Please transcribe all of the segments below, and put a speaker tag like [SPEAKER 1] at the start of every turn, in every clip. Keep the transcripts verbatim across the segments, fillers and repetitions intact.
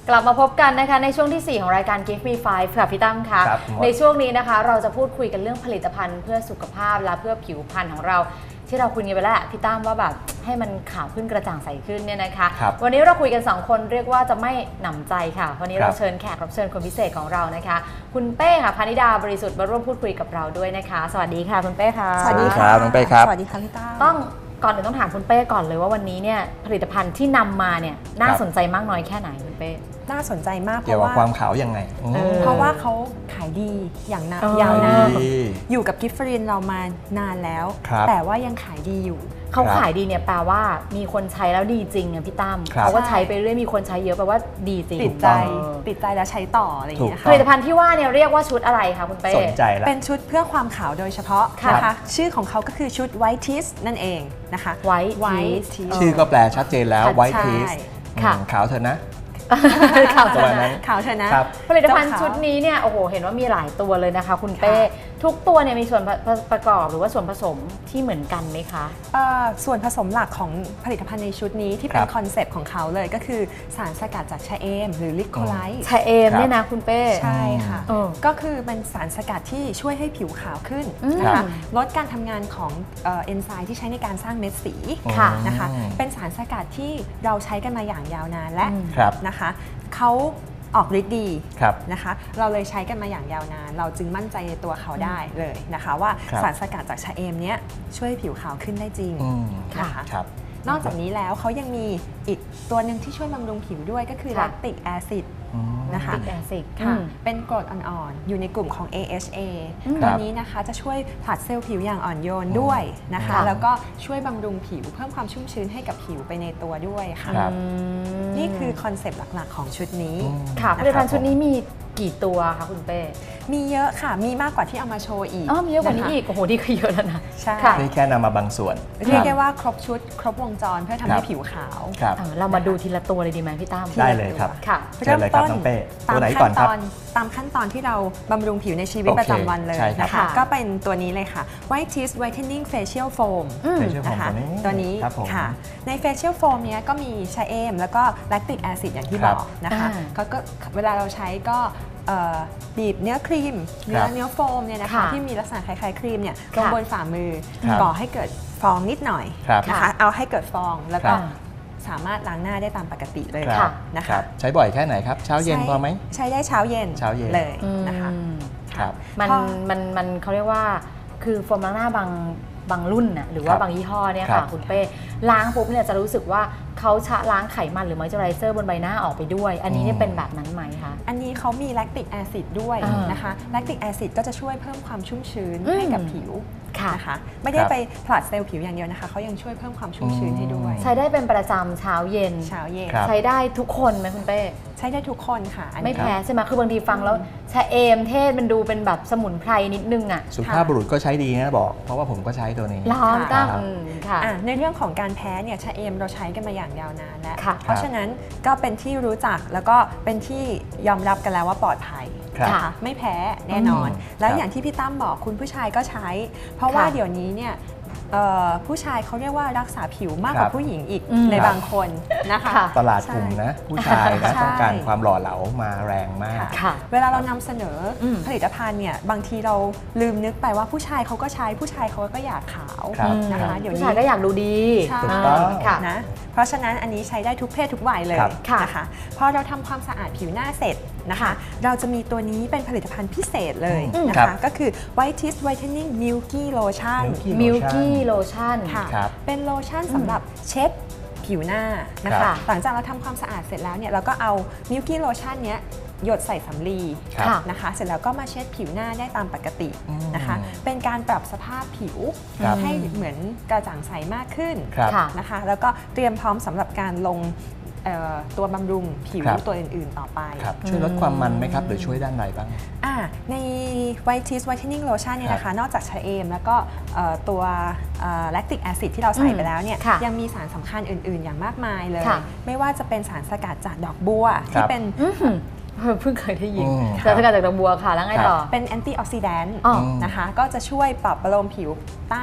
[SPEAKER 1] กลับมาพบกันนะคะในช่วงที่สี่ของรายการ Give Me Five ค่ะพี่ตั้มค่ะในช่วงนี้นะคะเราจะพูดคุยกันเรื่องผลิตภัณฑ์เพื่อสุขภาพและเพื่อผิวพรรณของเราที่เราคุยกันไปแล้วพี่ตั้มว่าแบบให้มันขาวขึ้นกระจ่างใสขึ้นเนี่ยนะคะวันนี้เราคุยกันสองคนเรียกว่าจะไม่หนำใจค่ะวันนี้เราเชิญแขกรับเชิญคนพิเศษของเรานะคะคุณเป้ค่ะพานิดาบริสุทธิ์มาร่วมพูดคุยกับเราด้วยนะคะสวัสดีค่ะคุณเป้ค่ะ
[SPEAKER 2] สวัสดีครับน้องเป้ครับ
[SPEAKER 3] สวัสดีค่ะพี่ตั้ม
[SPEAKER 1] ต้องก่อนอื่นต้องถามคุณเป้ก่อนเลยว่าวันนี้เนี่ยผลิตภัณฑ์ที่นำมาเนี่ยน่าสนใจมากน้อยแค่ไหนคุณเป้
[SPEAKER 3] น่าสนใจมากเพ
[SPEAKER 2] เกี่ยว
[SPEAKER 3] ราะ
[SPEAKER 2] กับ
[SPEAKER 3] ว่า
[SPEAKER 2] ความขาวยังไง
[SPEAKER 3] เพราะว่าเขาขายดีอย่างนานยาวนานอยู่กับกิฟฟรินเรามานานแล้วแต่ว่ายังขายดีอยู่
[SPEAKER 1] เขาขายดีเนี่ยแปลว่ามีคนใช้แล้วดีจริงอ่ะพี่ตั้มเขาก็ใช้ไปเรื่อยมีคนใช้เยอะแปลว่าดีจริง
[SPEAKER 3] ติดใจติดใจแล้วใช้ต่ออะไรอย่างเงี้ย
[SPEAKER 1] ผลิตภัณฑ์ที่ว่าเนี่ยเรียกว่าชุดอะไรคะคุณเป้
[SPEAKER 2] สนใจแล้ว
[SPEAKER 3] เป็นชุดเพื่อความขาวโดยเฉพาะนะคะชื่อของเขาก็คือชุด White Teeth นั่นเองนะคะ
[SPEAKER 1] White
[SPEAKER 3] Teeth
[SPEAKER 2] ชื่อก็แปลชัดเจนแล้ว White Teeth ขาวเธอนะ
[SPEAKER 1] ข่าวชนะ
[SPEAKER 3] ข่าวชนะ
[SPEAKER 1] ผลิตภัณฑ์ชุดนี้เนี่ยโอ้โหเห็นว่ามีหลายตัวเลยนะคะคุณเป้ทุกตัวเนี่ยมีส่วนประกอบหรือว่าส่วนผสมที่เหมือนกันไหมคะ
[SPEAKER 3] ส่วนผสมหลักของผลิตภัณฑ์ในชุดนี้ที่เป็นคอนเซปต์ของเขาเลยก็คือสารสกัดจากชะเอมหรือลิโคไลท์
[SPEAKER 1] ชะเอมเนี่ยนะคุณเป้
[SPEAKER 3] ใช่ค่ะก็คือเป็นสารสกัดที่ช่วยให้ผิวขาวขึ้นนะคะลดการทำงานของเอนไซม์ที่ใช้ในการสร้างเม็ดสีนะคะเป็นสารสกัดที่เราใช้กันมาอย่างยาวนานและนะคะเขาออกฤทธิ์ดีนะคะเราเลยใช้กันมาอย่างยาวนานเราจึงมั่นใจในตัวเขาได้เลยนะคะว่าสารสกัดจากชะเอมเนี้ยช่วยผิวขาวขึ้นได้จริงนะคะนอกจากนี้แล้วเขายังมีอีกตัวหนึ่งที่ช่วยบำรุงผิวด้วยก็คือแลคติกแอซิดนะคะค่ะเป็นกรดอ่อนๆอยู่ในกลุ่มของ เอ เอช เอ ตัวนี้นะคะจะช่วยผลัดเซลล์ผิวอย่างอ่อนโยนด้วยนะคะแล้วก็ช่วยบำรุงผิวเพิ่มความชุ่มชื้นให้กับผิวไปในตัวด้วยค่ะนี่คือคอนเซปต์หลักๆของชุดนี้
[SPEAKER 1] ค่ะผลิตภัณฑ์ชุดนี้มีกี่ตัวคะคุณเป้
[SPEAKER 3] มีเยอะค่ะมีมากกว่าที่เอามาโชว์อีก
[SPEAKER 1] อ๋อมีเยอะกว่านี้อีกโอ้โหนี่ก็เยอะแล้วนะ
[SPEAKER 3] ใช่
[SPEAKER 2] นี่แค่นำมาบางส่วน
[SPEAKER 3] เรียกได้ว่าครบชุดครบวงจรเพื่อทำให้ผิวขาว
[SPEAKER 1] เรามาดูทีละตัวเลยดีไหมพี่ตั้ม
[SPEAKER 2] ได้เลยครับ
[SPEAKER 1] ค่ะ
[SPEAKER 2] เริ่มต้นตามขั้นตอน
[SPEAKER 3] ตามขั้นตอนที่เราบำรุงผิวในชีวิตประจำวันเลยนะคะก็เป็นตัวนี้เลยค่ะ White Teeth Whitening Facial Foam นะคะตัวนี้ค่ะใน Facial Foam เนี้ยก็มีชะเอมแล้วก็แลคติกแอซิดอย่างที่บอกนะคะก็เวลาเราใช้ก็บีบเนื้อครีมเนื้อเนื้อโฟมเนี่ยนะคะที่มีลักษณะคล้ายๆครีมเนี่ยลงบนฝ่ามือก่อให้เกิดฟองนิดหน่อยนะคะเอาให้เกิดฟองแล้วก็สามารถล้างหน้าได้ตามปกติเลยนะคะ
[SPEAKER 2] ใช้บ่อยแค่ไหนครับเช้าเย็นพอไหม
[SPEAKER 3] ใช้ได้เช้าเย็น
[SPEAKER 2] เช้าเย็น
[SPEAKER 3] เลยนะคะ
[SPEAKER 1] มันมันมันเขาเรียกว่าคือโฟมล้างหน้าบางบางรุ่นน่ะหรือว่าบางยี่ห้อเนี่ยค่ะคุณเป้ล้างปุ๊บเนี่ยจะรู้สึกว่าเขาชะล้างไขมันหรือมอยเจอไรเซอร์บนใบหน้าออกไปด้วยอันนี้เนี่ยเป็นแบบนั้นไหมคะ
[SPEAKER 3] อันนี้เขามีแลคติกแอซิดด้วยนะคะแลคติกแอซิดก็จะช่วยเพิ่มความชุ่มชื้นให้กับผิวนะคะไม่ได้ไปผลัดเซลล์ผิวอย่างเดียวนะคะเขายังช่วยเพิ่มความชุ่มชื้นให้ด้วย
[SPEAKER 1] ใช้ได้เป็นประจำเช้าเย็น
[SPEAKER 3] เช้าเย็น
[SPEAKER 1] ใช้ได้ทุกคนไหมคุณเป้
[SPEAKER 3] ใช้ได้ทุกคนค่ะ
[SPEAKER 1] ไม่แพ้ใช่ไหมคือบางทีฟังแล้วชะเอมเทศมันดูเป็นแบบสมุนไพรนิดนึงอ่ะ
[SPEAKER 2] สุภาพบุรุษก็ใช้ดีนะบอกเพราะว่าผมก็ใช้ตัวนี้
[SPEAKER 1] ร้อนตั้ง
[SPEAKER 3] ค่ะในเรื่องของการแพ้เนี่ยชะเอมเราใช้กันมาอย่างยาวนานแล้วเพราะฉะนั้นก็เป็นที่รู้จักแล้วก็เป็นที่ยอมรับกันแล้วว่าปลอดภัยค่ะไม่แพ้แน่นอนแล้วอย่างที่พี่ตั้มบอกคุณผู้ชายก็ใช้ เพราะว่าเดี๋ยวนี้เนี่ยผู้ชายเขาเรียกว่ารักษาผิวมากกว่าผู้หญิงอีกในบางคนนะคะ
[SPEAKER 2] ตลาดกลุ่มนะผู้ชายนะต้องการความหล่อเหลามาแรงมาก
[SPEAKER 3] เวลาเรานำเสนอผลิตภัณฑ์เนี่ยบางทีเราลืมนึกไปว่าผู้ชายเขาก็ใช้ผู้ชายเขาก็อยากขาวนะคะ
[SPEAKER 1] เดี๋ยวนี้ผู้ชายก็อยากดูดี
[SPEAKER 3] นะเพราะฉะนั้นอันนี้ใช้ได้ทุกเพศทุกวัยเลยนะคะพอเราทำความสะอาดผิวหน้าเสร็จนะคะเราจะมีตัวนี้เป็นผลิตภัณฑ์พิเศษเลยนะคะก็คือ White Teeth Whitening Milky Lotion
[SPEAKER 1] Milky Lotion
[SPEAKER 3] ค่ะเป็นโลชั่นสำหรับเช็ดผิวหน้านะคะหลังจากเราทำความสะอาดเสร็จแล้วเนี่ยเราก็เอา Milky Lotion เนี้ยหยดใส่สำลีนะคะเสร็จแล้วก็มาเช็ดผิวหน้าได้ตามปกตินะคะเป็นการปรับสภาพผิวให้เหมือนกระจ่างใสมากขึ้นนะคะแล้วก็เตรียมพร้อมสำหรับการลงตัวบำรุงผิวตัวอื่นๆต่อไป
[SPEAKER 2] ช่วยลดความมันไหมครับหรือช่วยด้านไหนบ้าง
[SPEAKER 3] ใน White Teeth Whitening Lotion เนี่ยนะคะนอกจากชะเอมแล้วก็ตัวแลคติกแอซิดที่เราใส่ไปแล้วเนี่ยยังมีสารสำคัญอื่นๆอย่างมากมายเลยไม่ว่าจะเป็นสารสกัดจากดอกบัวที่เป็น
[SPEAKER 1] เพิ่งเคยได้ยินสารสกัดจากดอกบัวค่ะแล้วไงต่อ
[SPEAKER 3] เป็นแอนตี้ออกซิแดนต์นะคะก็จะช่วยปรับประโลมผิวต้าน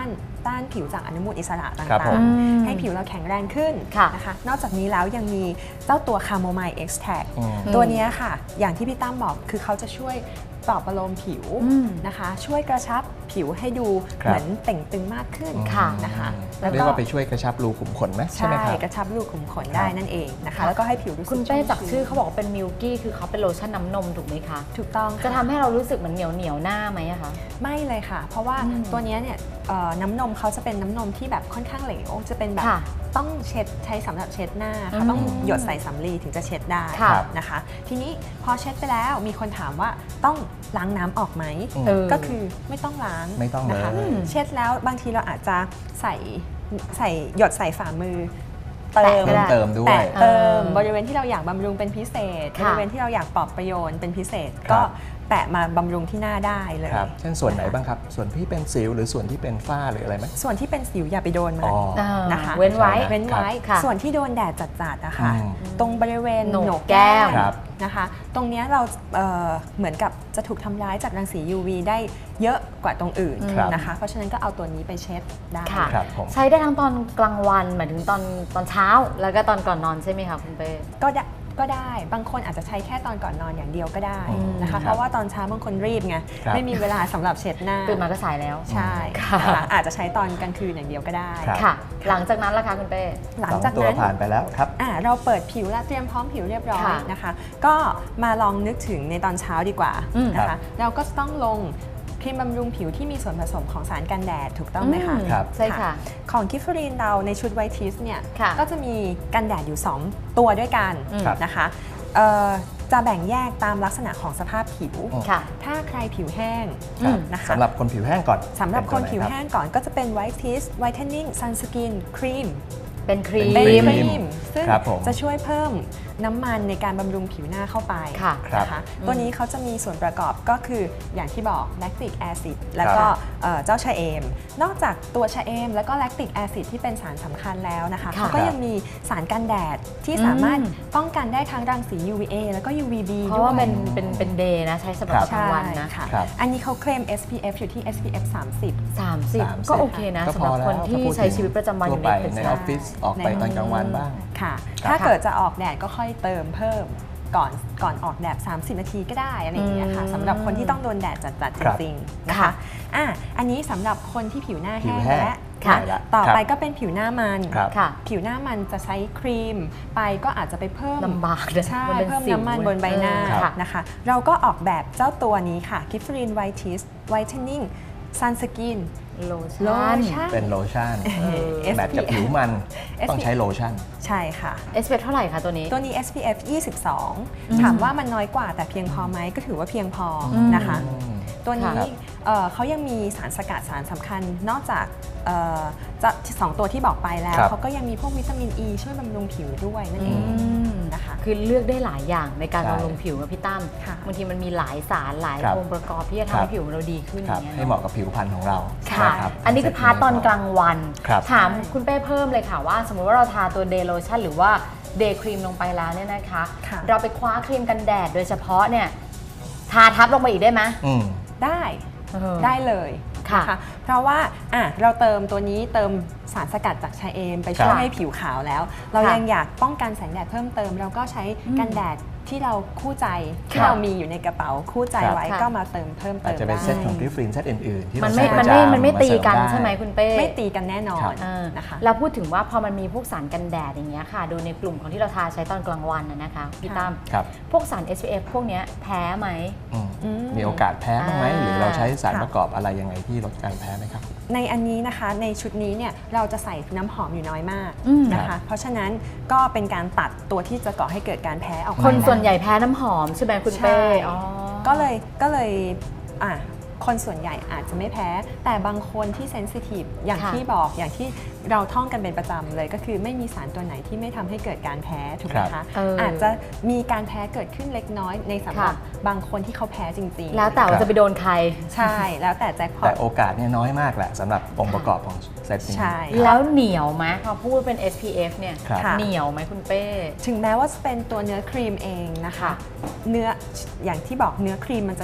[SPEAKER 3] ต้านผิวจากอนุมูลอิสระต่
[SPEAKER 2] ครับ
[SPEAKER 3] า
[SPEAKER 2] ผ
[SPEAKER 3] ง
[SPEAKER 2] ม
[SPEAKER 3] ๆ ให้ผิวเราแข็งแรงขึ้น
[SPEAKER 1] ค่ะ
[SPEAKER 3] นะคะนอกจากนี้แล้วยังมีเจ้าตัวคาโมไมล์เอ็กซ์แทก
[SPEAKER 2] อืม
[SPEAKER 3] ตัวนี้ค่ะอย่างที่พี่ตั้มบอกคือเขาจะช่วยปลอบประโลมผิว
[SPEAKER 1] อืม
[SPEAKER 3] นะคะช่วยกระชับผิวให้ดู
[SPEAKER 2] ครับ
[SPEAKER 3] เหมือนเต่งตึงมากขึ้น
[SPEAKER 1] ค่ะ
[SPEAKER 3] นะคะ
[SPEAKER 1] แล้วก็
[SPEAKER 2] เรียกว่าไปช่วยกระชับรูขุมขนไหมใช่ไหม
[SPEAKER 3] ใช่
[SPEAKER 2] ครับ
[SPEAKER 3] กระชับรูขุมขน
[SPEAKER 2] ครับ
[SPEAKER 3] ได้นั่นเองนะคะแล้วก็ให้ผิวรู้สึก
[SPEAKER 1] คุณเป้
[SPEAKER 3] ชุ่ม
[SPEAKER 1] จากชื่อ
[SPEAKER 3] ชื้น
[SPEAKER 1] เขาบอกว่าเป็นมิลกี้คือเขาเป็นโลชั่นน้ำนมถูกไหมคะ
[SPEAKER 3] ถูกต้อง
[SPEAKER 1] จะ
[SPEAKER 3] ค่ะ
[SPEAKER 1] ทำให้เรารู้สึกเหมือนเหนียวเหนียวหน้าไหมอะคะ
[SPEAKER 3] ไม่เลยค่ะ เพราะว่า
[SPEAKER 1] อืม
[SPEAKER 3] ตัวเนี้ยเนี่ยเอ่อน้ำนมเขาจะเป็นน้ำนมที่แบบค่อนข้างเหลวจะเป็นแบบ
[SPEAKER 1] ค่ะ
[SPEAKER 3] ต้องเช็ดใช้สำหรับเช็ดหน้า
[SPEAKER 1] อื
[SPEAKER 3] ค่ะ
[SPEAKER 1] ม
[SPEAKER 3] ต้องหยดใส่สำลีถึงจะเช็ดได้
[SPEAKER 1] ค่ะ
[SPEAKER 3] นะคะ ทีนี้พอเช็ดไปแล้วมีคนถามว่าต้องล้างน้ำออกไหม
[SPEAKER 2] อืม
[SPEAKER 1] เออ
[SPEAKER 3] ก็คือไม่ต้องล้าง
[SPEAKER 2] ไม่ต้องเลย
[SPEAKER 3] นะคะ
[SPEAKER 2] อืม
[SPEAKER 3] เช็ดแล้วบางทีเราอาจจะใส่ใส่หยดใส่ฝ่ามือ
[SPEAKER 1] แตะ
[SPEAKER 3] เติม
[SPEAKER 1] ก็ได้
[SPEAKER 2] เติมด้วย
[SPEAKER 3] แต่เติม
[SPEAKER 1] เออ
[SPEAKER 3] บริเวณที่เราอยากบำรุงเป็นพิเศษ บ
[SPEAKER 1] ค่ะ
[SPEAKER 3] ริเวณที่เราอยากปลอบประโยชน์เป็นพิเศษ
[SPEAKER 2] ครับ
[SPEAKER 3] ก็แตะมาบำรุงที่หน้าได้เลย
[SPEAKER 2] ครับเช่นส่วนไหนบ้างครับ ส่วนที่เป็นสิวหรือส่วนที่เป็นฝ้าหรืออะไรไหม
[SPEAKER 3] ส่วนที่เป็นสิวอย่าไปโดนมัน
[SPEAKER 2] อ๋อ
[SPEAKER 1] เออ
[SPEAKER 3] นะคะ
[SPEAKER 1] เว้นไว้
[SPEAKER 3] เว้นไว้
[SPEAKER 1] ค่ะ
[SPEAKER 3] ส่วนที่โดนแดดจัดๆนะคะ
[SPEAKER 2] อืม
[SPEAKER 3] ตรงบริเวณ
[SPEAKER 1] โหนก
[SPEAKER 3] โหนก
[SPEAKER 1] แก้
[SPEAKER 3] แก้
[SPEAKER 1] ม
[SPEAKER 3] ม
[SPEAKER 2] ครับ
[SPEAKER 3] นะคะ ตรงเนี้ยเราเอ่อเหมือนกับจะถูกทำร้ายจากรังสี ยู วี ได้เยอะกว่าตรงอื่น
[SPEAKER 2] ครับ
[SPEAKER 3] นะคะ เพราะฉะนั้นก็เอาตัวนี้ไปเช็ดได้
[SPEAKER 1] ค่ะ
[SPEAKER 2] ครับผม
[SPEAKER 1] ใช้ได้ทั้งตอนกลางวันหมายถึงตอนตอนเช้า แล้วก็ตอนก่อนนอนใช่ไหมคะคุณเป้
[SPEAKER 3] ก็ได้ก็ได้บางคนอาจจะใช้แค่ตอนก่อนนอนอย่างเดียวก็ได้
[SPEAKER 2] อืม
[SPEAKER 3] นะคะ
[SPEAKER 2] ครับ
[SPEAKER 3] เพราะว่าตอนเช้าบางคนรีบไง
[SPEAKER 2] ครับ
[SPEAKER 3] ไม่มีเวลาสำหรับเช็ดหน้า
[SPEAKER 1] ตื่นมาก็สายแล้ว
[SPEAKER 3] ใช่
[SPEAKER 1] ค่ะ
[SPEAKER 3] นะคะอาจจะใช้ตอนกลางคืนอย่างเดียวก็ได้
[SPEAKER 2] ครับ
[SPEAKER 1] ค่ะ หลังจากนั้นล่ะคะคุณเป้
[SPEAKER 3] หลัง
[SPEAKER 2] สอง
[SPEAKER 3] จาก
[SPEAKER 2] ตัว
[SPEAKER 3] นั้น
[SPEAKER 2] ผ่านไปแล้วครับ
[SPEAKER 3] อ่าเราเปิดผิวและเตรียมพร้อมผิวเรียบร้อย
[SPEAKER 1] ค่ะ
[SPEAKER 3] นะคะ ก็มาลองนึกถึงในตอนเช้าดีกว่า
[SPEAKER 1] อืม
[SPEAKER 3] นะ
[SPEAKER 2] ครั
[SPEAKER 3] คะ
[SPEAKER 2] บ
[SPEAKER 3] เราก็ต้องลงครีมบำรุงผิวที่มีส่วนผสมของสารกันแดดถูกต้องไหมคะ
[SPEAKER 1] อืม
[SPEAKER 2] ครับ
[SPEAKER 1] ใช่ค่ะ
[SPEAKER 3] ของกิฟฟรีนเราในชุดไวท์ทิสเนี่ย
[SPEAKER 1] ค่ะ
[SPEAKER 3] ก็จะมีกันแดดอยู่ สอง ตัวด้วยกัน
[SPEAKER 1] อืม
[SPEAKER 2] ครับ
[SPEAKER 3] นะคะเอ่อจะแบ่งแยกตามลักษณะของสภาพผิว
[SPEAKER 2] อืม
[SPEAKER 1] ค่ะ
[SPEAKER 3] ถ้าใครผิวแห้ง
[SPEAKER 2] ครับ
[SPEAKER 3] นะคะ
[SPEAKER 2] สำหรับคนผิวแห้งก่อน
[SPEAKER 3] สำหรับ
[SPEAKER 2] เป็
[SPEAKER 3] คน
[SPEAKER 2] ตัวไ
[SPEAKER 3] ผิว
[SPEAKER 2] รับ
[SPEAKER 3] แห้งก่อนก็จะเป็นไวท์ทิสไวท์เทนนิ่งซันสกินครีม
[SPEAKER 1] เป็นครี
[SPEAKER 2] เป็
[SPEAKER 3] เป็น
[SPEAKER 2] น
[SPEAKER 3] ค
[SPEAKER 2] ครี
[SPEAKER 3] รี
[SPEAKER 2] ม
[SPEAKER 3] มซึ่ง
[SPEAKER 2] ครับผม
[SPEAKER 3] จะช่วยเพิ่มน้ำมันในการบำรุงผิวหน้าเข้าไป
[SPEAKER 1] ค่ะ
[SPEAKER 2] ครับ
[SPEAKER 3] นะคะตัวนี้เขาจะมีส่วนประกอบก็คืออย่างที่บอกแลคติกแอซิดแล้วก็เอ่อเจ้าชะเอม นอกจากตัวชะเอม แล้วก็แลคติกแอซิดที่เป็นสารสำคัญแล้วนะคะ
[SPEAKER 1] ค่ะ
[SPEAKER 3] เขาก็ยังมีสารกันแดดที่สามารถ
[SPEAKER 1] อืม
[SPEAKER 3] ป้องกันได้ทั้งรังสี ยู วี เอ แล้วก็ ยู วี บี
[SPEAKER 1] เพราะว่า
[SPEAKER 3] ด้วย
[SPEAKER 1] เป็นเป็นเป็นเดย์นะ ใช้สำหรับ
[SPEAKER 2] ครับ
[SPEAKER 1] กลางวันนะ
[SPEAKER 3] ค่ะ
[SPEAKER 2] ครับ
[SPEAKER 3] อันนี้เขาเคลม เอส พี เอฟ อยู่ที่ เอส พี เอฟ สามสิบ
[SPEAKER 1] สามสิบ
[SPEAKER 2] สามสิบ
[SPEAKER 1] ก็โอเคนะ
[SPEAKER 2] ก็
[SPEAKER 1] สำ
[SPEAKER 2] พ
[SPEAKER 1] หรั
[SPEAKER 2] อบ แล้ว
[SPEAKER 1] คนที่
[SPEAKER 2] ถ้าพูด
[SPEAKER 1] ใช้
[SPEAKER 2] ถึง
[SPEAKER 1] ชีวิตประจำวันอยู่
[SPEAKER 2] ทั่
[SPEAKER 1] ใน
[SPEAKER 2] ไป
[SPEAKER 1] ตึก
[SPEAKER 2] ใน
[SPEAKER 1] ใช่
[SPEAKER 2] ออฟฟิศออกไปตอนกลางวันบ้าง
[SPEAKER 3] ค่ะ
[SPEAKER 2] ครับ
[SPEAKER 3] ถ้าเกิดจะออกแดดก็ค่อยเติมเพิ่มก่อนก่อนออกแดด สามสิบ นาทีก็ได้อะไรอย่างเงี้ยค่ะ
[SPEAKER 1] อืม
[SPEAKER 3] สำหรับคนที่ต้องโดนแดดจัดๆจ
[SPEAKER 2] ครับ
[SPEAKER 3] ริงๆนะ
[SPEAKER 1] ค่ะ
[SPEAKER 3] คะอ่ะอันนี้สำหรับคนที่ผิวหน้า
[SPEAKER 2] ผิ
[SPEAKER 3] แห้
[SPEAKER 2] ว
[SPEAKER 3] ง
[SPEAKER 2] แห้ง
[SPEAKER 3] และ
[SPEAKER 1] ค่ะ
[SPEAKER 2] ได้ละ
[SPEAKER 3] ต่อ
[SPEAKER 2] ครับ
[SPEAKER 3] ไปก็เป็นผิวหน้ามัน
[SPEAKER 2] ครับ
[SPEAKER 1] ค่ะ
[SPEAKER 3] ผิวหน้ามันจะใช้ครีมไปก็อาจจะไปเพิ่ม
[SPEAKER 1] ลำบากเลย
[SPEAKER 3] ใช่
[SPEAKER 1] มันเป็น
[SPEAKER 3] เพิ่ม
[SPEAKER 1] สิว
[SPEAKER 3] น้ำมันบนใบหน้า
[SPEAKER 1] เออค่ะ
[SPEAKER 3] นะคะ เราก็ออกแบบเจ้าตัวนี้ค่ะ g i f f r i n Whitening Whitening Sunscreen
[SPEAKER 1] โล
[SPEAKER 3] โล
[SPEAKER 1] ชั่น
[SPEAKER 3] ชั่น
[SPEAKER 2] เป็นโลชั่น
[SPEAKER 3] เออ
[SPEAKER 2] แมทกับผิวมัน ต้องใช้โลชั่น
[SPEAKER 3] ใช่ค่ะ
[SPEAKER 1] เอส พี เอฟ เท่าไหร่คะตัวนี้
[SPEAKER 3] ตัวนี้ เอส พี เอฟ ยี่สิบสอง
[SPEAKER 1] อืม
[SPEAKER 3] ถามว่ามันน้อยกว่าแต่เพียงพอไหมก็ถือว่าเพียงพออ
[SPEAKER 1] ม
[SPEAKER 3] นะคะ
[SPEAKER 2] อืม
[SPEAKER 3] ตัวนี้
[SPEAKER 2] ครับ
[SPEAKER 3] เอ่อเขายังมีสารสกัดสารสำคัญนอกจากเอ่อจะสองตัวที่บอกไปแล้ว
[SPEAKER 2] ครับ
[SPEAKER 3] เขาก็ยังมีพวกวิตามินอ e ีช่วยบำรุงผิวด้วยนั่นเอง
[SPEAKER 1] อืม
[SPEAKER 3] นะคะ
[SPEAKER 1] คือเลือกได้หลายอย่างในการ
[SPEAKER 2] ใช่
[SPEAKER 1] บำรุงผิวนะพี่ตั้ม
[SPEAKER 3] ค่ะ
[SPEAKER 1] บางทีมันมีหลายสารหลาย
[SPEAKER 2] ครับ
[SPEAKER 1] องค์ประกอบที่จะ
[SPEAKER 2] ครั
[SPEAKER 1] ทำ
[SPEAKER 2] บ
[SPEAKER 1] ให้ผิวเราดีขึ้นอ
[SPEAKER 2] ครับ
[SPEAKER 1] ย่างเงี้ย
[SPEAKER 2] ให้เหมาะกับผิวพรรณของเรา
[SPEAKER 1] ค่ะ
[SPEAKER 2] รับ
[SPEAKER 1] อันนี้คือพาร์ตตอนกลางวัน
[SPEAKER 2] ครับ
[SPEAKER 1] ถามคุณเป้เพิ่มเลยค่ะว่า สมมุติว่าเราทาตัวเดย์โลชั่นหรือว่าเดย์ครีมลงไปแล้วเนี่ยนะคะ
[SPEAKER 3] ค่ะ
[SPEAKER 1] เราไปคว้าครีมกันแดดโดยเฉพาะเนี่ยทาทับลงไปอีกได้ไหม
[SPEAKER 2] อืม
[SPEAKER 3] ได้
[SPEAKER 1] เออ
[SPEAKER 3] ได้เลย
[SPEAKER 1] ค่ะ
[SPEAKER 3] นเพราะว่าอ่ะเราเติมตัวนี้เติมสารสกัดจากชาเอม ไปช่วย
[SPEAKER 2] ครับ
[SPEAKER 3] ให้ผิวขาวแล้ว เรา
[SPEAKER 1] ค่ะ
[SPEAKER 3] ยังอยากป้องกันแสงแดดเพิ่มเติม เราก็ใช้
[SPEAKER 1] อืม
[SPEAKER 3] กันแดดที่เราคู่ใจที่
[SPEAKER 1] ค่ะ
[SPEAKER 3] เรามีอยู่ในกระเป๋าคู่ใจ
[SPEAKER 2] ครับ
[SPEAKER 3] ไว้
[SPEAKER 1] ค่ะ
[SPEAKER 3] ก็มาเติมเพิ่ม
[SPEAKER 2] อาจ
[SPEAKER 3] เติม
[SPEAKER 2] จะเป็น
[SPEAKER 3] ได้
[SPEAKER 2] เซตของกริฟฟินเซตอื่นๆ ที่
[SPEAKER 1] มัน
[SPEAKER 2] เรา
[SPEAKER 1] ไม่
[SPEAKER 2] ใช้
[SPEAKER 1] มันไม่
[SPEAKER 2] ประจำ
[SPEAKER 1] มันไม่ตีกัน
[SPEAKER 2] าเสริด้
[SPEAKER 1] ใช่ไหมคุณเป้
[SPEAKER 3] ไม่ตีกันแน่นอน
[SPEAKER 2] ครับ
[SPEAKER 1] เออ
[SPEAKER 3] นะคะ
[SPEAKER 1] เราพูดถึงว่าพอมันมีพวกสารกันแดดอย่างเงี้ยค่ะ โดยในกลุ่มของที่เราทาใช้ตอนกลางวันนะนะคะพี่ตั้ม
[SPEAKER 2] ครับ
[SPEAKER 1] พวกสาร เอส พี เอฟ พวกเนี้ยแพ้ไหม
[SPEAKER 2] อืม
[SPEAKER 3] อืม
[SPEAKER 2] มีโอกาสแพ้บ้างไหม
[SPEAKER 1] อ่า
[SPEAKER 2] หรือเราใช้สาร
[SPEAKER 3] ค่ะ
[SPEAKER 2] ประกอบอะไรยังไงที่ลดการแพ้ไหมครับ
[SPEAKER 3] ในอันนี้นะคะในชุดนี้เนี่ยเราจะใส่น้ำหอมอยู่น้อยมาก
[SPEAKER 1] อืม
[SPEAKER 3] นะคะ เพราะฉะนั้นก็เป็นการตัดตัวที่จะก่อให้เกิดการแพ้ออกมา
[SPEAKER 1] คน
[SPEAKER 3] ได้
[SPEAKER 1] ส่วนใหญ่แพ้น้ำหอมใช่ไหมคุณเป้
[SPEAKER 3] ใช่
[SPEAKER 1] อ๋อ
[SPEAKER 3] ก็เลยก็เลยอ่ะคนส่วนใหญ่อาจจะไม่แพ้ แต่บางคนที่เซนซิทีฟอย่าง
[SPEAKER 1] ค่ะ
[SPEAKER 3] ที่บอกอย่างที่เราท่องกันเป็นประจำเลยก็คือไม่มีสารตัวไหนที่ไม่ทำให้เกิดการแพ้ถูกไหม
[SPEAKER 2] ครั
[SPEAKER 3] คะ
[SPEAKER 2] บ
[SPEAKER 1] เอออ
[SPEAKER 3] อาจจะมีการแพ้เกิดขึ้นเล็กน้อยในสำหรับ
[SPEAKER 1] ค่ะ
[SPEAKER 3] บางคนที่เขาแพ้จริงๆ
[SPEAKER 1] แล้วแต่ว่าจะไปโดนใคร
[SPEAKER 3] ใช่แล้วแต่แจ็คพอ
[SPEAKER 2] แต่
[SPEAKER 3] ต
[SPEAKER 2] โอกาสเนี่ยน้อยมากแหละสำหรับองค์ประกอบของเซตนี้
[SPEAKER 3] ใช่
[SPEAKER 1] แล้วเหนียวไหมพอพูดเป็น เอส พี เอฟ เนี่ย
[SPEAKER 2] ครับ
[SPEAKER 3] ค่ะ
[SPEAKER 1] เหนียวไหมคุณเป้
[SPEAKER 3] ถึงแม้ว่าจะเป็นตัวเนื้อครีมเองนะคะ
[SPEAKER 1] ค่ะ
[SPEAKER 3] เนื้ออย่างที่บอกเนื้อครีมมันจะหนักถูก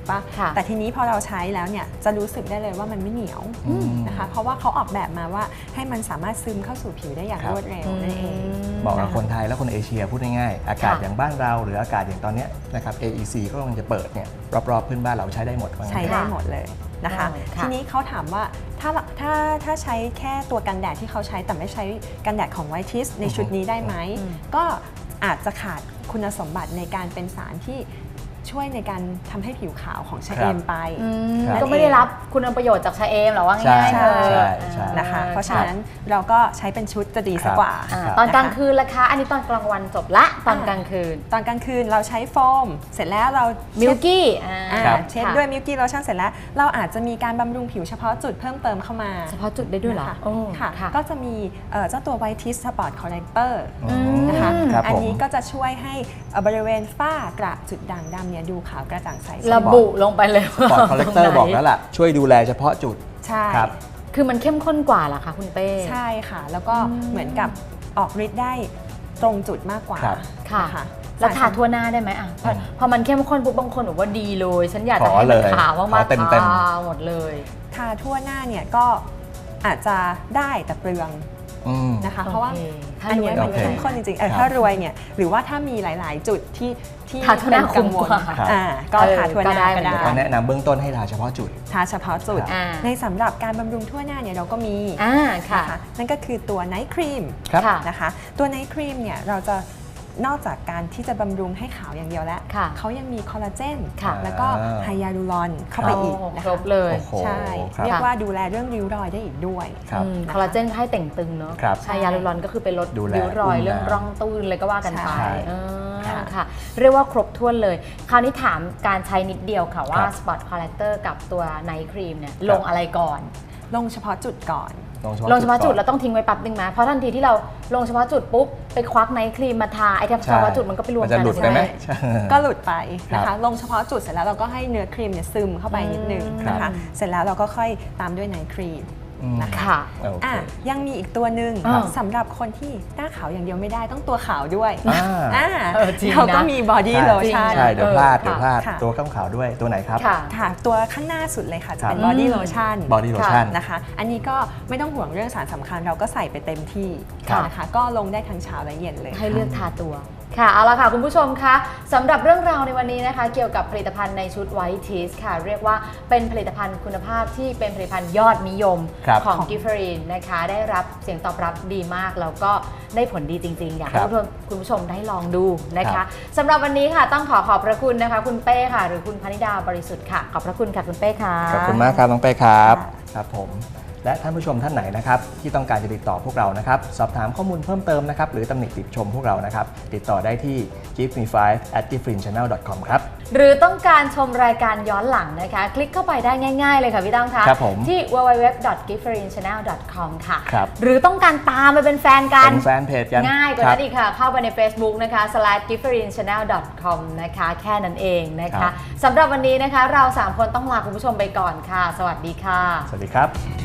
[SPEAKER 3] ปะ
[SPEAKER 1] ค่ะ
[SPEAKER 3] แต่ทีนี้พอเราใช้แล้วเนี่ยจะรู้สึกได้เลยว่ามันไม่เหนียว
[SPEAKER 2] อืม
[SPEAKER 3] นะคะเพราะว่าเขาออกแบบมาว่าให้มันสามารถซึมเข้าสู่ผิวได้อย่าง
[SPEAKER 2] ครับ
[SPEAKER 3] รวดเร็วนั่นเอง
[SPEAKER 2] เหมาะกับคนไทยและคนเอเชียพูดง่ายๆอากาศ
[SPEAKER 1] ค่ะ
[SPEAKER 2] อย่างบ้านเราหรืออากาศอย่างตอนเนี้ยนะครับ เอ อี ซี ก็กำลังจะเปิดเนี่ยรอบๆพื้นบ้านเราใช้ได้หมดว่างั้น
[SPEAKER 3] ใช้ได้หมดเลยนะคะ
[SPEAKER 1] อ๋อค่ะ
[SPEAKER 3] ทีนี้เขาถามว่าถ้าถ้าถ้าใช้แค่ตัวกันแดดที่เขาใช้แต่ไม่ใช้กันแดดของ White Teeth ในชุดนี้ได้ไหม
[SPEAKER 1] อืม
[SPEAKER 3] ก็อาจจะขาดคุณสมบัติในการเป็นสารที่ช่วยในการทำให้ผิวขาวของชะเอมไป
[SPEAKER 1] อืม
[SPEAKER 2] ครับ
[SPEAKER 1] ก็ไม่ได้รับคุณประโยชน์จากชาเอมหรอว่า
[SPEAKER 2] ใช่
[SPEAKER 1] ง่ายๆเลย
[SPEAKER 2] ใช่ใช่
[SPEAKER 3] นะคะ
[SPEAKER 1] อ่
[SPEAKER 3] เพราะฉะนั้นเราก็ใช้เป็นชุดจะดีสักกว่า
[SPEAKER 1] อ่า
[SPEAKER 2] ครับ
[SPEAKER 1] ตอนกลางคืนล่ะคะ อันนี้ตอนกลางวันจบละตอนกลางคืน
[SPEAKER 3] ตอนกลางคืนเราใช้โฟม เสร็จแล้วเรา
[SPEAKER 1] มิ
[SPEAKER 3] มิ
[SPEAKER 1] ลกี้อ่า
[SPEAKER 3] อ่า
[SPEAKER 2] ครับ
[SPEAKER 3] เช็ด
[SPEAKER 1] ค่ะ
[SPEAKER 3] ด้วยมิลกี้โลชั่นเสร็จแล้วเราอาจจะมีการบำรุงผิวเฉพาะจุดเพิ่มเติมเข้ามา
[SPEAKER 1] เฉพาะจุดได้ด้วยเหรอ
[SPEAKER 3] นะคะ
[SPEAKER 1] โอ้
[SPEAKER 3] ค่ะ
[SPEAKER 1] ค่ะ
[SPEAKER 3] ก็จะมีเอ่อเจ้าตัว White Teeth Spot Corrector
[SPEAKER 2] อืม
[SPEAKER 3] นะคะ
[SPEAKER 2] ครับ
[SPEAKER 3] อัน
[SPEAKER 2] ผม
[SPEAKER 3] นี้ก็จะช่วยให้เอ่อบริเวณฝ้ากระจุดด่างดำเนี่ยดูขาวกระจ่างใส
[SPEAKER 1] ระบุลงไปเลย
[SPEAKER 2] ปอดคอลเลกเตอร์
[SPEAKER 1] ตงไหน
[SPEAKER 2] บอกแล้วล่ะ ช่วยดูแลเฉพาะจุด
[SPEAKER 3] ใช่
[SPEAKER 2] ครับ
[SPEAKER 1] คือมันเข้มข้นกว่าเหรอคะคุณเป้
[SPEAKER 3] ใช่ค่ะ แล้วก็เหมือนกับออกฤทธิ์ได้ตรงจุดมากกว่า
[SPEAKER 2] ครับ
[SPEAKER 1] ค่ะ
[SPEAKER 3] น
[SPEAKER 1] แล้วทา
[SPEAKER 3] สร
[SPEAKER 1] ทั่วหน้าได้ไหมอ่ะพอ
[SPEAKER 2] อืม
[SPEAKER 1] พอมันเข้มข้นปุ๊บบางคนบอกว่าดีเลย ฉันอยากจะ
[SPEAKER 2] ขอ
[SPEAKER 1] ให้มัน
[SPEAKER 2] เลย
[SPEAKER 1] ขาวมาก
[SPEAKER 2] ขอ
[SPEAKER 1] ๆ
[SPEAKER 2] เต็มๆ
[SPEAKER 1] ทาหมดเลย
[SPEAKER 3] ทาทั่วหน้าเนี่ยก็อาจจะได้แต่เปลือง
[SPEAKER 2] อืม
[SPEAKER 3] นะคะ เพราะว่า
[SPEAKER 1] โอเคถ้า
[SPEAKER 3] อัน
[SPEAKER 1] รวย
[SPEAKER 3] เนี้ยมัน
[SPEAKER 2] โอเค
[SPEAKER 3] เข้มข้นจริงๆเออ
[SPEAKER 2] ครับ
[SPEAKER 3] ถ้ารวยเนี่ยหรือว่าถ้ามีหลาย ๆ จุดที่ที่
[SPEAKER 1] ทาทั่วหน้า
[SPEAKER 3] เป็นกังวล
[SPEAKER 1] คุ้มกว่า
[SPEAKER 3] อ่าก็
[SPEAKER 1] เออ
[SPEAKER 3] ทาทั่วหน้า
[SPEAKER 1] ก็ได้
[SPEAKER 3] ก็ได้
[SPEAKER 2] ก็แนะนำเบื้องต้นให้ทาเฉพาะจุด
[SPEAKER 3] ทาเฉพาะจุด
[SPEAKER 1] อ่า
[SPEAKER 3] ในสำหรับการบำรุงทั่วหน้าเนี่ยเราก็มี
[SPEAKER 1] อ่าค่ะ
[SPEAKER 3] นะคะนั่นก็คือตัวไนท์ครีม
[SPEAKER 2] ครับ
[SPEAKER 1] ค่ะ
[SPEAKER 3] นะคะตัวไนท์ครีมเนี่ยเราจะนอกจากการที่จะบำรุงให้ขาวอย่างเดียวแล้ว
[SPEAKER 1] ค่ะ
[SPEAKER 3] เขายังมีคอลลาเจน
[SPEAKER 1] ค่ะ
[SPEAKER 3] แล้วก็
[SPEAKER 2] อ่า
[SPEAKER 3] ไฮยาลูรอนเข้าไปอีก
[SPEAKER 1] โอ้
[SPEAKER 3] นะ
[SPEAKER 1] คร
[SPEAKER 3] คะ
[SPEAKER 1] บเลย
[SPEAKER 2] โอ้โห
[SPEAKER 3] ใช่
[SPEAKER 2] ครับ
[SPEAKER 3] เรียกว่าดูแลเรื่องริ้วรอยได้อีกด้วย
[SPEAKER 2] ครับ
[SPEAKER 1] อืมคอลลาเจนให้แต่งตึงเนาะ
[SPEAKER 2] ครับ
[SPEAKER 1] ใช่ยาลูรอนก็คือไปลด
[SPEAKER 2] ดูแล
[SPEAKER 1] ริ้วรอย
[SPEAKER 2] อุ้ม
[SPEAKER 1] เรื่อง
[SPEAKER 2] น้ำ
[SPEAKER 1] ร่องตื้นเลยก็ว่ากันไป
[SPEAKER 3] ใช่
[SPEAKER 1] เออ
[SPEAKER 3] ค่ะ
[SPEAKER 1] ค่ะ เรียกว่าครบถ้วนเลย คราวนี้ถามการใช้นิดเดียวค่ะว่า
[SPEAKER 2] ครับ
[SPEAKER 1] Spot Corrector กับตัวไนท์ครีมเนี่ยลงอะไรก่อน
[SPEAKER 3] ลงเฉพาะจุดก่อน
[SPEAKER 1] ลงเฉพาะจุด
[SPEAKER 2] ก่
[SPEAKER 1] เรา
[SPEAKER 2] อน
[SPEAKER 1] ต้องทิ้งไว้แป๊บนึงไหมเพราะทันทีที่เราลงเฉพาะจุดปุ๊บไปควักไนท์ครีมมาทาไอ้เฉพาะจุดมันก็ไปรวม
[SPEAKER 2] มัน
[SPEAKER 1] กั
[SPEAKER 2] จะ
[SPEAKER 1] น
[SPEAKER 2] หลุดไปไหม
[SPEAKER 1] ใช่
[SPEAKER 2] ใช่
[SPEAKER 3] ก็หลุดไปนะ
[SPEAKER 2] ครั
[SPEAKER 3] คะ
[SPEAKER 2] บ
[SPEAKER 3] ลงเฉพาะจุดเสร็จแล้วเราก็ให้เนื้อครีมเนี่ยซึมเข้าไปนิดนึง
[SPEAKER 1] ครับ
[SPEAKER 3] นะคะ เสร็จแล้วเราก็ค่อยตามด้วยไนท์ครีม
[SPEAKER 2] อืม
[SPEAKER 3] นะคะ
[SPEAKER 1] ค่ะ
[SPEAKER 2] โอเค
[SPEAKER 3] อ่ะยังมีอีกตัวหนึ่ง
[SPEAKER 1] อ่า
[SPEAKER 3] สำหรับคนที่หน้าขาวอย่างเดียวไม่ได้ต้องตัวขาวด้วย
[SPEAKER 2] อ่า
[SPEAKER 3] อ่า
[SPEAKER 1] เออจริงนะ
[SPEAKER 3] เราก็มีบอดี้
[SPEAKER 2] ใช่
[SPEAKER 3] โลชั่น
[SPEAKER 2] ใช่เดี๋ยวพลาด
[SPEAKER 1] เออ
[SPEAKER 2] เดี๋ยวพลาด
[SPEAKER 3] ค่ะ
[SPEAKER 2] ตัวข้างขาวด้วยตัวไหนครับ
[SPEAKER 1] ค่ะ
[SPEAKER 3] ค่ะตัวข้างหน้าสุดเลยค่ะ จะเป็น
[SPEAKER 2] ครับ
[SPEAKER 3] บอดี้โลชั่น
[SPEAKER 2] บอดี้โลชั่น
[SPEAKER 3] นะคะ อันนี้ก็ไม่ต้องห่วงเรื่องสารสำคัญเราก็ใส่ไปเต็มที่
[SPEAKER 1] ค่ะ
[SPEAKER 3] นะคะ ก็ลงได้ทั้งเช้าและเย็นเลย
[SPEAKER 1] ให้เลือกทาตัว ค่ะ เอาละค่ะคุณผู้ชมคะสำหรับเรื่องราวในวันนี้นะคะ เกี่ยวกับผลิตภัณฑ์ในชุด White Teeth ค่ะ เรียกว่าเป็นผลิตภัณฑ์คุณภาพที่เป็นผลิตภัณฑ์ยอดนิยม
[SPEAKER 2] ครับ
[SPEAKER 1] ของ Gifford นะคะ ได้รับเสียงตอบรับดีมาก แล้วก็ได้ผลดีจริงๆ อยากให้
[SPEAKER 2] ครับ
[SPEAKER 1] คุณผู้ชมได้ลองดูนะ
[SPEAKER 2] ครั
[SPEAKER 1] คะ
[SPEAKER 2] บ
[SPEAKER 1] สำหรับวันนี้ค่ะต้องขอขอบพระคุณนะคะ คุณเป้ค่ะ หรือคุณพนิดาบริสุทธิ์ค่ะ ขอบพระคุณค่ะคุณเป้ค่ะ
[SPEAKER 2] ขอบคุณมากครับน้องเป้ครับ
[SPEAKER 3] ค่ะ
[SPEAKER 2] ครับผมและท่านผู้ชมท่านไหนนะครับที่ต้องการจะติดต่อพวกเรานะครับสอบถามข้อมูลเพิ่มเติมนะครับหรือตำหนิติชมพวกเรานะครับติดต่อได้ที่ give me five at different channel dot com ครับ
[SPEAKER 1] หรือต้องการชมรายการย้อนหลังนะคะ คลิกเข้าไปได้ง่ายๆเลยค่ะพี่ตั้มคะ
[SPEAKER 2] ครับผม
[SPEAKER 1] ที่ ดับเบิลยู ดับเบิลยู ดับเบิลยู ดอท กิฟเฟอริน ชาแนล ดอท คอม ค่ะ
[SPEAKER 2] ครับ
[SPEAKER 1] หรือต้องการตามไปเป็นแฟนกัน
[SPEAKER 2] เป็นแฟนเพจกัน
[SPEAKER 1] ง่ายกว่า
[SPEAKER 2] ครั
[SPEAKER 1] นั้
[SPEAKER 2] บ
[SPEAKER 1] นอีกค่ะ เข้าไปใน Facebook นะคะ slash กิฟเฟอริน ชาแนล ดอท คอม นะคะ แค่นั้นเองนะ
[SPEAKER 2] ครั
[SPEAKER 1] คะ
[SPEAKER 2] บ
[SPEAKER 1] สำหรับวันนี้นะคะ เราสามคนต้องลาคุณผู้ชมไปก่อนค่ะ สวัสดีค่ะ
[SPEAKER 2] สวัสดีครับ